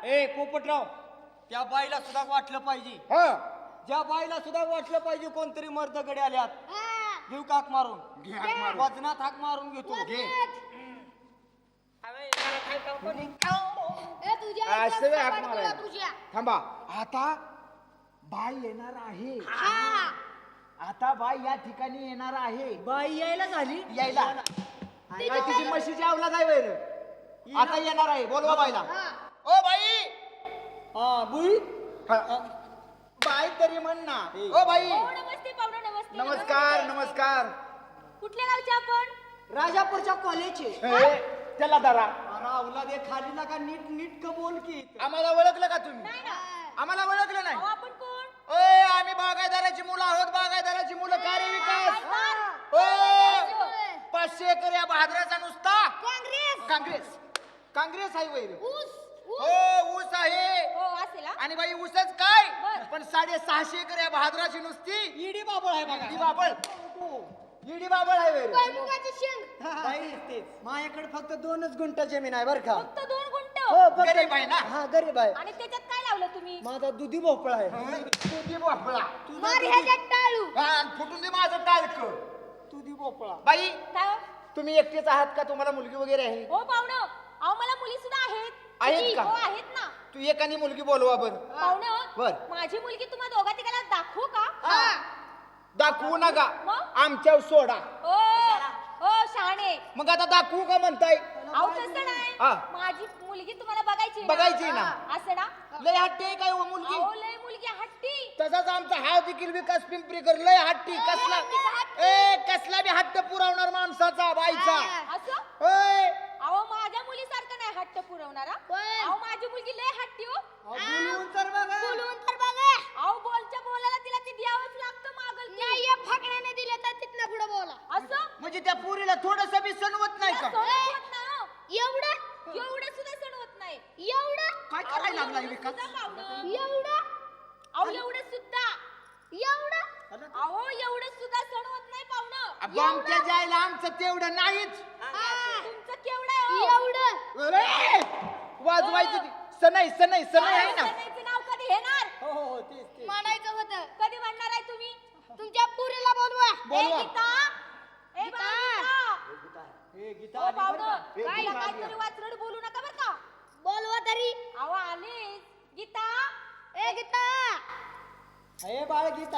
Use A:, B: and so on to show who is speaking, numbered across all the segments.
A: ए पोपटराव, त्या बाईला सुद्धा वाटलं पाहिजे.
B: हा
A: ज्या बाईला सुद्धा वाटलं पाहिजे कोणतरी मर्दकडे आल्यात. घेऊ काक मारून, वजनात हाक मारून घेतो. घे
B: असं हाक मारायला. थांबा, आता बाई येणार आहे. आता बाई या ठिकाणी येणार आहे.
A: बाई यायला झाली.
B: यायला काय तिची म्हशीची अवलाद आहे वैर. आता येणार आहे. बोलवा बाईला. O by.
A: हा बुई.
B: बाई तरी म्हण ना. O by.
C: नमस्ते पाहुणा, नमस्ते.
B: नमस्कार नमस्कार.
C: कुठल्या गावचे आपण?
A: राजापूरच्या कॉलेजचे.
B: त्याला धरा.
A: अरे अवलाद हे खाली नका, नीट नीट का बोल की.
B: आम्हाला ओळखलं का तुम्ही?
C: नाही ना.
B: आम्हाला ओळखलं नाही.
C: अहो, आपण कोण?
B: ओय आम्ही बागायदाराची मुलं आहोत. बागायदाराची मुलं. कार्य विकास. ओ 500 एकर या बहादराचा नुसता काँग्रेस. काँग्रेस आहे वैर. हो ऊस आहे.
C: हो असेल हा.
B: आणि बाई ऊसच काय
C: बरं.
B: पण 650 एकर या बहादराची नुसती
A: ईडी बाबळ आहे बघा.
B: ईडी बाबळ. ईडी बाबळ आहे वैर.
A: बाई तेच. माझ्याकडे फक्त 2च गुंठ जमीन आहे बर का.
C: फक्त 2 गुंठ.
A: हो फक्त.
B: गरीब आहे ना.
A: हा गरीब आहे.
C: आणि त्याच्यात काय लावलं तुम्ही?
A: माझा दुधी भोपळा आहे.
B: तुझी भोपळा. हा, फुटून दे माझं टाळक.
A: दुधी भोपळा.
B: बाई
C: काय हो?
B: तुम्ही एकटेच आहात का? तुम्हाला मुलगी वगैरे आहे?
C: हो पाहुणं, अहो मला मुली सुद्धा आहेत.
B: आहेत का?
C: हो आहेत ना.
B: तू एकानी मुलगी बोलवा बर.
C: पाहुणं,
B: बरं.
C: माझी मुलगी तुम्हा दोघा तिघाला दाखवू का?
B: दाखवू नका.
C: मग?
B: आमच्या सोडा.
C: ओ ओ शहाणे.
B: मग आता दाखवू का म्हणताय?
C: अहो तसं नाही.
B: हा.
C: माझी मुलगी तुम्हाला बघायची आहे
B: बघायची ना.
C: असं ना.
B: लय हट्टी आहे काय हो मुलगी?
C: अहो लय मुलगी हट्टी.
B: तसाच आमचा हा देखील विकास पिंपरीकर लय हट्टी. कसला कसला बी हट्ट पुरवणार माणसाचा बाईचा.
C: असं?
B: होय.
C: अहो माझ्या मुलीसारखं नाही हट्ट पुरवणारा. अहो माझी मुलगी लय हट्टी हो.
A: बोलवून तर बघा.
C: अहो बोलच्या बोलायला तिला ते द्यावंच लागतं मागल की.
D: फकड्याने दिले तर तिथनं पुढे बोला.
C: असं?
B: म्हणजे त्या पोरीला थोडस बी सणवत नाही का?
C: सण होत नाही हो.
D: एवढं
C: एवढं सुद्धा सण होत नाही.
D: एवढं
B: काय करायला लागला
C: एवढं
B: विकास?
C: सुद्धा पाहुणं.
D: एवढं
C: अहो एवढं सुद्धा.
D: एवढं
C: अहो एवढं सुद्धा सण होत नाही पाहुणं.
B: आमच्या जायला आमचं तेवढं नाहीच.
C: तुमचं केवढं आहे हो?
D: एवढं
B: अरे, वाजवायचं ती. सनई सनई सनई आहे ना.
C: सणाचं नाव कधी घेणार?
A: हो हो हो तेच तेच.
D: म्हणायचं होतं
C: कधी म्हणणार आहे तुम्ही?
D: तुमच्या पुरीला बोलवा.
B: बोलवा.
C: ए गीता, ए बाळा गीता.
A: हे गीता
C: हो
A: आली बरं
C: पाहुणं,
A: का?
B: ए,
C: काय
B: गीता आली.
C: काहीतरी वाचरड बोलू नका बरं का.
D: बोलवा तरी.
C: अहो आलीस गीता.
D: ए गीता.
A: हे बाळ गीता.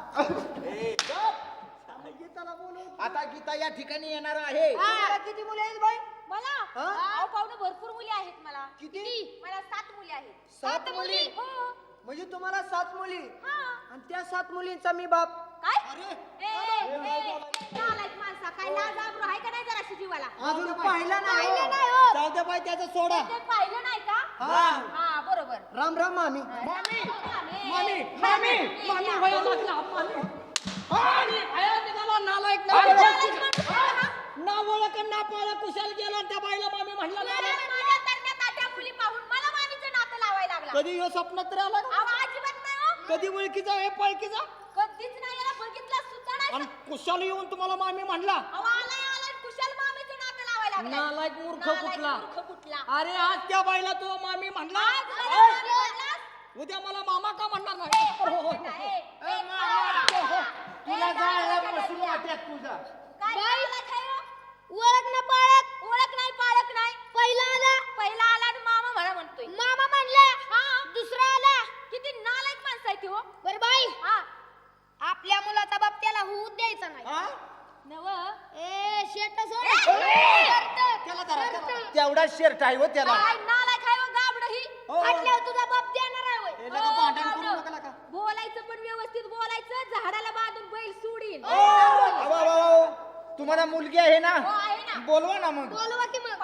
A: गीताला बोलव.
B: आता गीता या ठिकाणी येणार आहे.
A: तुम्हाला किती मुले आहेत बाई?
C: मला
A: हा?
C: अहो पाहुणं भरपूर मुली आहेत मला.
A: किती?
C: मला 7 मुली आहेत.
A: 7 मुली.
C: हो.
A: म्हणजे तुम्हाला 7 मुली.
C: हा.
A: आणि त्या 7 मुलींचा मी बाप.
C: काय?
A: अरे.
C: नालायक माणसा, काय लाज आबरू आहे का नाही जराशी जीवाला?
A: अजून पाहिला नाही.
D: पाहिलं नाही हो.
A: जाऊ दे बाई त्याचा सोडा.
C: ते पाहिलं नाही का?
A: हा.
C: हा बरोबर.
A: राम राम मामी.
C: मामी
A: मामी मामी मामी व्हायला लागला मामी. मामी आया निघाला नालायक ना. ना ओळख ना पाळा कुशाल गेला त्या बाईला मामी म्हणला नालायक.
C: माझ्या तरण्यात आट्या मुली पाहून मला मामीचं नातं लावायला लागला.
A: कधी ह्यो स्वप्नात तर आला का?
C: अहो, अजिबात नाही हो.
A: कधी ओळखीचा हे पळकीचा
C: कधीच नाही याला बघितलं सुद्धा नाही.
A: आणि कुशाल येऊन तुम्हाला मामी म्हणला.
C: अहो, आलाय कुशाल मामीचं नातं लावायला लागलाय.
A: नालायक मूर्ख
C: नालायक
A: कुठला.
C: मूर्ख कुठला.
A: अरे आज त्या बाईला तो मामी म्हणला.
C: आज मला मामी म्हणलास?
A: उद्या मला मामा का म्हणणार नाही? हो, हो, हो.
C: ए,
B: मामा. तुला
C: ए,
B: जायला
C: काय
B: बसून वाट्यात तुझा.
C: काय नालायक आहे हो?
D: ओळख ना पाळख.
C: ओळख नाही पाळख नाही.
D: पहिला आला.
C: पहिला आला आणि मामा म्हणा म्हणतोय.
D: मामा म्हणला.
C: हा.
D: दुसरा आला.
C: किती नालायक माणसं आहे ती हो.
D: बर बाई,
C: हा
D: आपल्या मुलाचा बाप त्याला होऊ द्यायचा नाही.
A: हा?
C: नव
D: ए शेट सोड.
A: त्याला धरा, त्याला.
B: तेवढा शर्ट आहे हो त्याला.
C: काय नालायक आहे हो गाबड ही.
A: हो.
D: फाटल्यावर तुझा बाप देणार आहे होय.
A: हे लगा भांडण करू नका लगा.
C: बोलायचं पण व्यवस्थित बोलायचं. झाडाला बांधून बैल सोडीन.
B: अहो, तुम्हाला मुलगी आहे ना?
C: हो आहे ना.
B: बोलवा ना मग.
D: बोलवा की मग.